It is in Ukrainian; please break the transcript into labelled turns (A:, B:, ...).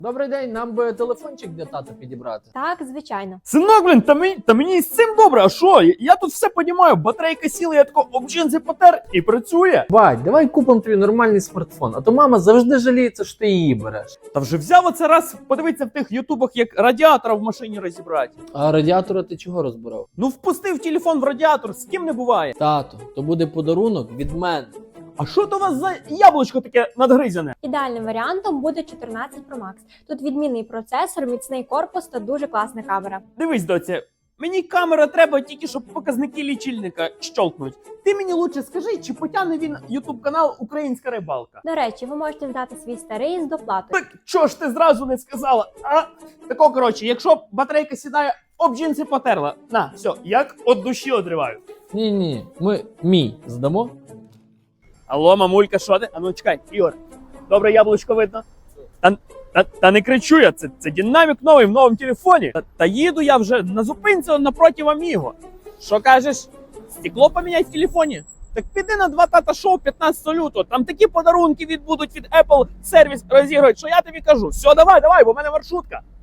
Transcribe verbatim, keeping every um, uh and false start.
A: Добрий день, нам би телефончик для тата підібрати.
B: Так, звичайно.
C: Синок, блін, та мені, та мені з цим добре, а що? Я тут все понімаю, батарейка сіла, я тако об джинси потер і працює.
A: Бать, давай купимо тобі нормальний смартфон, а то мама завжди жаліється, що ти її береш.
C: Та вже взяв оце раз подивитися в тих ютубах, як радіатора в машині розібрати.
A: А радіатора ти чого розбирав?
C: Ну впустив телефон в радіатор, з ким не буває.
A: Тато, то буде подарунок від мене.
C: А що то у вас за яблучко таке надгризяне?
B: Ідеальним варіантом буде чотирнадцять Pro Max. Тут відмінний процесор, міцний корпус та дуже класна камера.
C: Дивись, доця, мені камера треба тільки, щоб показники лічильника щолкнуть. Ти мені лучше скажи, чи потягне він ютуб канал Українська рибалка?
B: До речі, ви можете взяти свій старий з доплатою.
C: Так чого ж ти зразу не сказала? А? Тако, коротше, якщо батарейка сідає, об джинси потерла. На, все, як від душі одриваю.
A: Ні-ні, ми мій здамо.
C: Алло, мамулька, що ти? А ну чекай, Ігор, добре яблучко видно? Та, та, та не кричу я, це, це динамік новий в новому телефоні. Та, та їду я вже на зупинці напроти Аміго. Що кажеш? Стекло поміняй в телефоні? Так піди на два тата шоу п'ятнадцятого лютого, там такі подарунки відбудуть від Apple сервіс розігрують, що я тобі кажу. Все, давай, давай, бо в мене маршрутка.